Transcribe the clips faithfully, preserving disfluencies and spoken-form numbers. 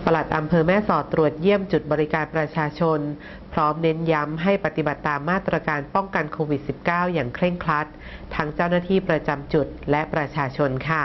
ปลัดอำเภอแม่สอดตรวจเยี่ยมจุดบริการประชาชนพร้อมเน้นย้ำให้ปฏิบัติตามมาตรการป้องกันโควิด สิบเก้า อย่างเคร่งครัดทั้งเจ้าหน้าที่ประจำจุดและประชาชนค่ะ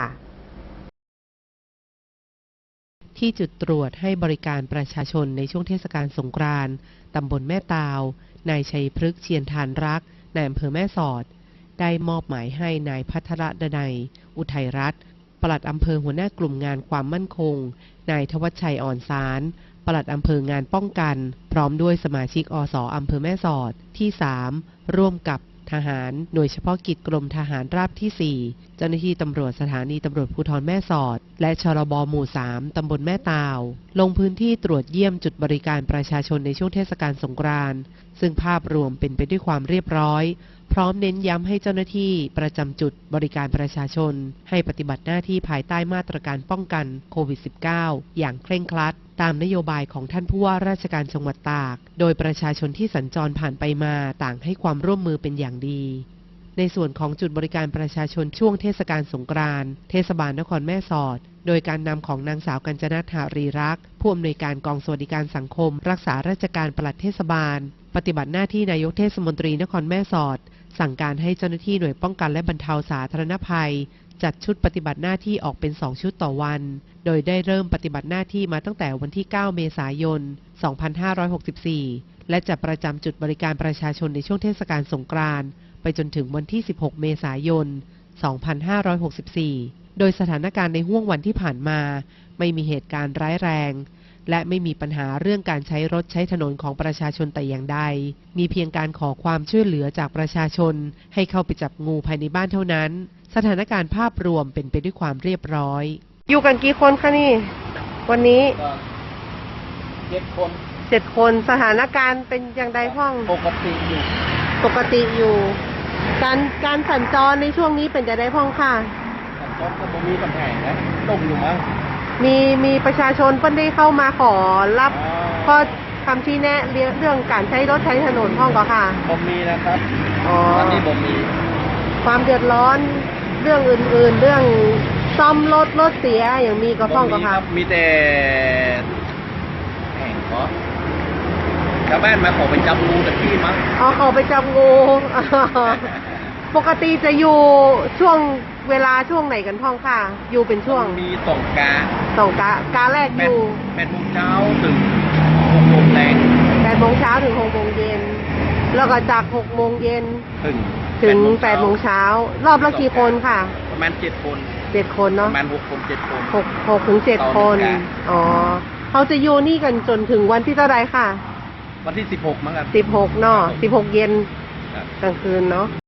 ที่จุดตรวจให้บริการประชาชนในช่วงเทศกาลสงกรานต์ตำบลแม่ตาวนายชัยพฤกษ์เชียนทานรักนายอำเภอแม่สอดได้มอบหมายให้นายพัทรดนัยอุทัยรัตน์ปลัดอำเภอหัวหน้ากลุ่มงานความมั่นคงนายทวัชชัยอ่อนสารปลัดอำเภองานป้องกันพร้อมด้วยสมาชิกอสอำเภอแม่สอดที่สามร่วมกับทหารหน่วยเฉพาะกิจกรมทหารราบที่สี่เจ้าหน้าที่ตำรวจสถานีตำรวจภูธรแม่สอดและชรบหมู่สามตำบลแม่ตาวลงพื้นที่ตรวจเยี่ยมจุดบริการประชาชนในช่วงเทศกาลสงกรานต์ซึ่งภาพรวมเป็นไปด้วยความเรียบร้อยพร้อมเน้นย้ำให้เจ้าหน้าที่ประจำจุดบริการประชาชนให้ปฏิบัติหน้าที่ภายใต้มาตรการป้องกันโควิด สิบเก้า อย่างเคร่งครัดตามนโยบายของท่านผู้ว่าราชการจังหวัดตากโดยประชาชนที่สัญจรผ่านไปมาต่างให้ความร่วมมือเป็นอย่างดีในส่วนของจุดบริการประชาชนช่วงเทศกาลสงกรานต์เทศบาลนครแม่สอดโดยการนำของนางสาวกัญจนาถารีรักษ์ผู้อำนวยการกองสวัสดิการสังคมรักษาราชการปลัดเทศบาลปฏิบัติหน้าที่นายกเทศมนตรีนครแม่สอดสั่งการให้เจ้าหน้าที่หน่วยป้องกันและบรรเทาสาธารณภัยจัดชุดปฏิบัติหน้าที่ออกเป็นสองชุดต่อวันโดยได้เริ่มปฏิบัติหน้าที่มาตั้งแต่วันที่เก้าเมษายนสองพันห้าร้อยหกสิบสี่และจะประจำจุดบริการประชาชนในช่วงเทศกาลสงกรานต์ไปจนถึงวันที่สิบหกเมษายนสองพันห้าร้อยหกสิบสี่โดยสถานการณ์ในห้วงวันที่ผ่านมาไม่มีเหตุการณ์ร้ายแรงและไม่มีปัญหาเรื่องการใช้รถใช้ถนนของประชาชนแต่อย่างใดมีเพียงการขอความช่วยเหลือจากประชาชนให้เข้าไปจับงูภายในบ้านเท่านั้นสถานการณ์ภาพรวมเป็นไปด้วยความเรียบร้อยอยู่กันกี่คนคะนี่วันนี้เจ็ดคนเจ็ดคนสถานการณ์เป็นอย่างใดพ้องปกติอยู่ปกติอยู่การการสัญจรในช่วงนี้เป็นจะได้พ้องค่ะสัญจรก็บ่มีปัญหานะตกอยู่มั้งมีมีประชาชนเพิ่นได้เข้ามาขอรับข้อคำชี้แนะเรื่องการใช้รถใช้ถนนพ้องก็ค่ะบ่มีนะครับอ๋อตอนนี้บ่มีความเดือดร้อนเรื่องอื่นๆเรื่องซ่อมรถรถเสียอย่างมีก็พ้องก็ค่ะมีแต่แห่งก็ชาวบ้านมาขอไปจับงูแต่พี่มั้งอ๋อขอไปจับงูปกติจะอยู่ช่วงเวลาช่วงไหนกันพ้องค่ะอยู่เป็นช่วงมีสองกาสองกากาแรกอยู่แปดโมงเช้าถึงหกโมงแรงแปดโมงเช้าถึงหกโมงเย็นแล้วก็จากหกโมงเย็นถึงถึงแปดโมงเช้ารอบละกี่คนค่ะประมาณเจ็ดคนเจ็ดคนเนาะประมาณหกคนเจ็ดคนหกหกถึงเจ็ดคนอ๋อเขาจะอยู่นี่กันจนถึงวันที่เท่าไรค่ะวันที่สิบหกมั้งครับสิบหกเนาะสิบหกเย็นกลางคืนเนาะ